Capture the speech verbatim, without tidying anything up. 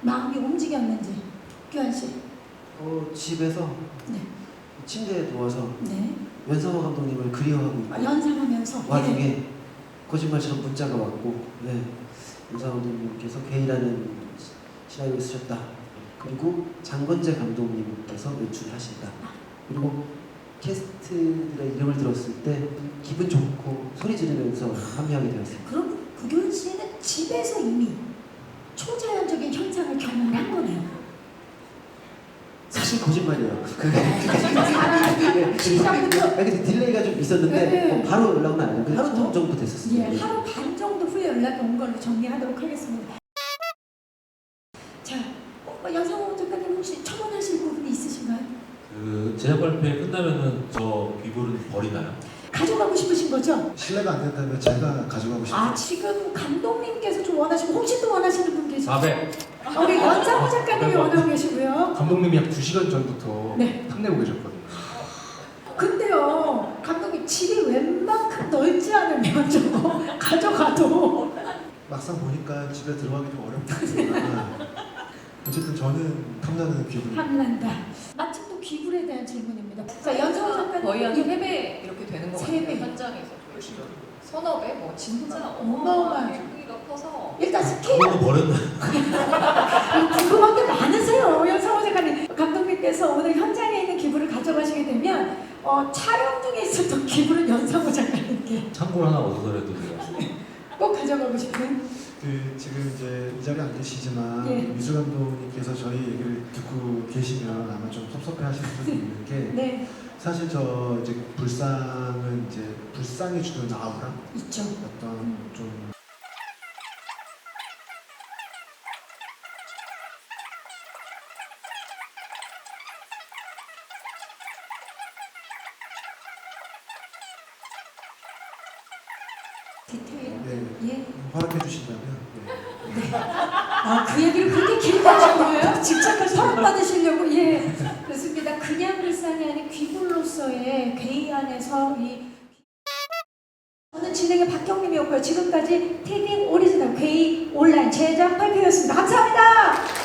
마음이 움직였는지 규환 씨. 어, 집에서 네. 침대에 누워서 네. 연상호 감독님을 그리워하고 있고 아, 연상하면서 와중에 네. 거짓말처럼 문자가 왔고 네. 연상호 감독님께서 괴이라는 시나리오를 쓰셨다. 그리고 장건재 감독님께서 연출하신다. 그리고 캐스트들의 이름을 들었을 때 기분 좋고 소리 지르면서 합류하게 되었습니다. 그럼 구교훈 씨는 집에서 이미 초자연적인 현상을 경험한 거네요. 사실 거짓말이에요. 그게 사람한테 시작부터 근데 딜레이가 좀 있었는데 네. 어, 바로 연락은 안 해요. 그 하루 정도 됐었어요. 예, 하루 반 정도 후에 연락이 온 걸로 정리하도록 하겠습니다. 자, 어, 연상호 작가님 혹시 첨언하실 부분이 있으신가요? 그 제작 발표회 끝나면은 저 귀불은 버리나요? 가져가고 싶으신 거죠? 신뢰가 안 된다면 제가 가져가고 싶어요. 아, 지금 감독님께서 좀 원하시고 혹시 또 원하시는 분 계세요? 사백. 아, 우리 연상호 작가님이 원하고 계시고요. 감독님이 약 두 시간 전부터 네. 탐내고 계셨거든요. 근데요, 감독님 집이 웬만큼 넓지 않으면 저거 가져가도 막상 보니까 집에 들어가기 좀 어렵겠지만 어쨌든 저는 탐나는 기분. 탐난다. 마침 또 귀불에 대한 질문입니다. 자, 연상호 작가님 거의 한 세 배 이렇게 되는 것 세 배. 같아요. 현장에서 보여주면 서너 배, 뭐 진짜 어마어마하게. 어마어마하게 크기가 커서 일단 스케일 그거 버렸나? 궁금한 게 많으세요, 연상호 작가님. 감독님께서 오늘 현장에 있는 기부를 가져가시게 되면 어, 촬영 중에 있었던 기부를 연상호 작가님께 창고를 하나 얻어서라도 제가 꼭 가져가고 싶은. 그 지금 이제 이 자리에 안 계시지만 예. 미술 감독님께서 저희 얘기를 듣고 계시면 아마 좀 섭섭해하시는 분이 있는 게 네, 사실 저 이제 불상은 이제 불상이 주는 아우라 있죠. 어떤 좀 디테일. 네, 예. 허락해 주신다면 네. 아, 그 얘기를 그렇게 길게 하신 거예요? 직접 허락 받으시려고? 예. 그렇습니다. 그냥 불상이 아닌 귀불로서의 괴이 안에서 이 저는 진행의 박경림이었고요. 지금까지 티빙 오리지널 괴이 온라인 제작 발표였습니다. 감사합니다.